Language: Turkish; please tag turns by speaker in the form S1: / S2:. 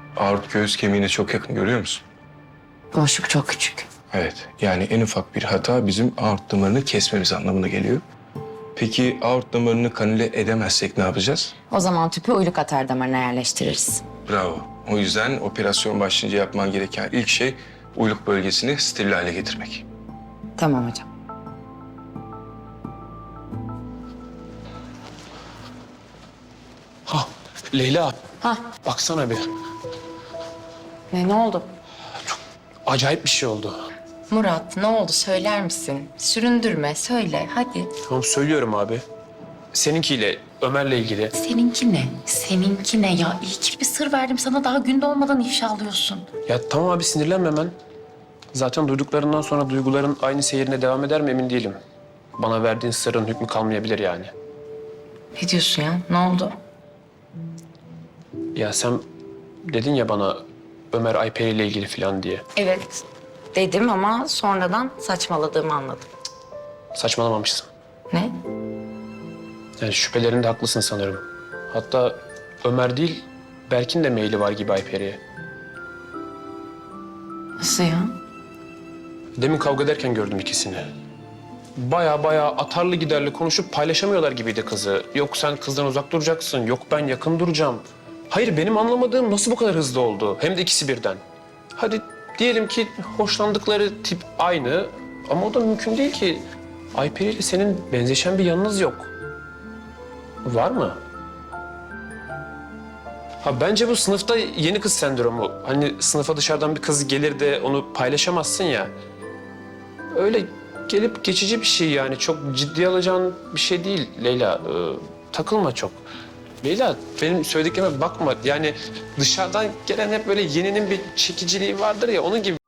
S1: Aort göğüs kemiğine çok yakın, görüyor musun?
S2: Boşluk çok küçük.
S1: Evet, yani en ufak bir hata bizim aort damarını kesmemiz anlamına geliyor. Peki aort damarını kanüle edemezsek ne yapacağız?
S2: O zaman tüpü uyluk atar damarına yerleştiririz.
S1: Bravo. O yüzden operasyon başlayınca yapman gereken ilk şey uyluk bölgesini steril hale getirmek.
S2: Tamam hocam.
S3: Ha, Leyla.
S2: Ha.
S3: Baksana bir.
S2: Ne oldu?
S3: Acayip bir şey oldu.
S2: Murat ne oldu söyler misin? Süründürme söyle hadi.
S3: Tamam söylüyorum abi. Seninkiyle, Ömer'le ilgili.
S2: Seninki ne? Seninki ne ya? İyi ki bir sır verdim sana, daha gün doğmadan ifşa alıyorsun.
S3: Ya tamam abi sinirlenme hemen. Zaten duyduklarından sonra duyguların aynı seyrine devam eder mi emin değilim. Bana verdiğin sırrın hükmü kalmayabilir yani.
S2: Ne diyorsun ya? Ne oldu?
S3: Ya sen dedin ya bana Ömer Ayperi ile ilgili falan diye.
S2: Evet dedim ama sonradan saçmaladığımı anladım.
S3: Saçmalamamışsın.
S2: Ne?
S3: Yani şüphelerinde haklısın sanırım. Hatta Ömer değil, Berk'in de meyli var gibi Ayperi'ye.
S2: Nasıl ya?
S3: Demin kavga ederken gördüm ikisini. Baya atarlı giderli konuşup paylaşamıyorlar gibiydi kızı. Yok sen kızdan uzak duracaksın, yok ben yakın duracağım. Hayır benim anlamadığım nasıl bu kadar hızlı oldu? Hem de ikisi birden. Hadi diyelim ki hoşlandıkları tip aynı ama o da mümkün değil ki. Ayperi ile senin benzeşen bir yanınız yok. Var mı? Ha bence bu sınıfta yeni kız sendromu. Hani sınıfa dışarıdan bir kız gelir de onu paylaşamazsın ya. Öyle gelip geçici bir şey yani. Çok ciddiye alacağın bir şey değil Leyla. Takılma çok. Leyla benim söylediklerime bakma. Yani dışarıdan gelen hep böyle yeninin bir çekiciliği vardır ya onun gibi.